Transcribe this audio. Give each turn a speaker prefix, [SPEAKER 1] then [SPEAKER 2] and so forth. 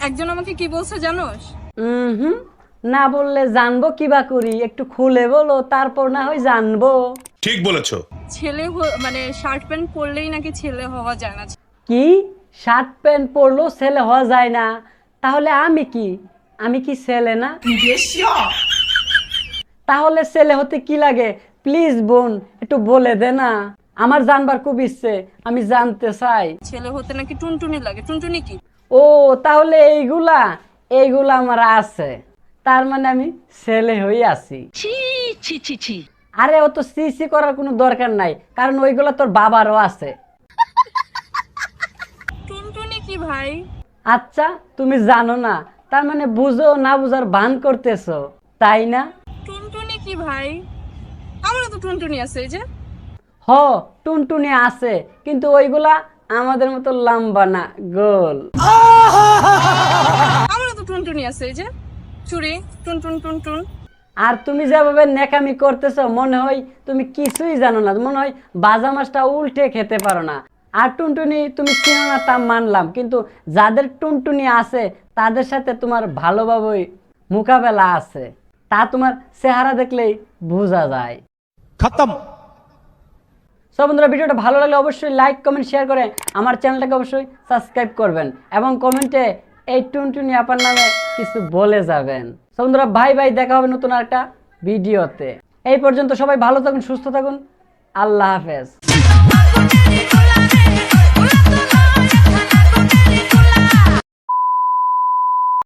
[SPEAKER 1] একজন আমাকে কি বলছে জানোস?
[SPEAKER 2] হুম, না বললে জানবো কিবা করি, একটু খুলে বলো, তারপর না হয় জানবো।
[SPEAKER 3] ঠিক বলেছো।
[SPEAKER 1] মানে শার্ট প্যান্ট পরলেই নাকি ছেলে হওয়া যায় না।
[SPEAKER 2] কি? শার্ট প্যান্ট পরলেও ছেলে হওয়া যায় না? তাহলে আমি কি ছেলে না? তাহলে ছেলে হতে কি লাগে? প্লিজ বোন, একটু বলে দে না, আমার জানবার খুব ইচ্ছে, আমি জানতে চাই।
[SPEAKER 1] ছেলে হতে নাকি টুনটুনি লাগে। টুনটুনি কি?
[SPEAKER 2] ও, তাহলে এইগুলা এইগুলা আমার আছে, তার মানে আমি ছেলে হয়ে আছি।
[SPEAKER 4] ছি ছি ছি ছি।
[SPEAKER 2] আরে ও তো সিসি করার কোনো দরকার নাই, কারণ ওইগুলা তোর বাবারও আছে।
[SPEAKER 1] টুনটুনি কি ভাই?
[SPEAKER 2] আচ্ছা, তুমি জানো না, তার মানে বুঝো না বুঝার ভান করতেছো, তাই না?
[SPEAKER 1] টুনটুনি কি ভাই? আমারও তো টুনটুনি আছে, এই যে।
[SPEAKER 2] হ, টুনটুনি আছে, কিন্তু ওইগুলা আমাদের মতো লম্বা না, গোল।
[SPEAKER 1] আমারও তো টুনটুনি আছে, এই যে। চুরি টুনটুন টুনটুন।
[SPEAKER 2] আর তুমি যেভাবে নেকামি করতেছো, মনে হয় তুমি কিছুই জানো না, মনে হয় বাজা মাছটা উল্টে খেতে পারো না। আর টুনটুনি তুমি চিনো না তা মানলাম, কিন্তু যাদের টুনটুনি আছে তাদের সাথে তোমার ভালোভাবেই মোকাবেলা আছে, তা তোমার চেহারা দেখলেই বোঝা যায়।
[SPEAKER 3] খতম।
[SPEAKER 2] সব বন্ধুরা, ভিডিওটা ভালো লাগলে অবশ্যই লাইক কমেন্ট শেয়ার করে আমার চ্যানেলটাকে অবশ্যই সাবস্ক্রাইব করবেন এবং কমেন্টে এই টুনটুনি আপার নামে কিছু বলে যাবেন। সব বন্ধুরা, বাই বাই, দেখা হবে নতুন একটা ভিডিওতে। এই পর্যন্ত সবাই ভালো থাকুন, সুস্থ থাকুন, আল্লাহ হাফেজ।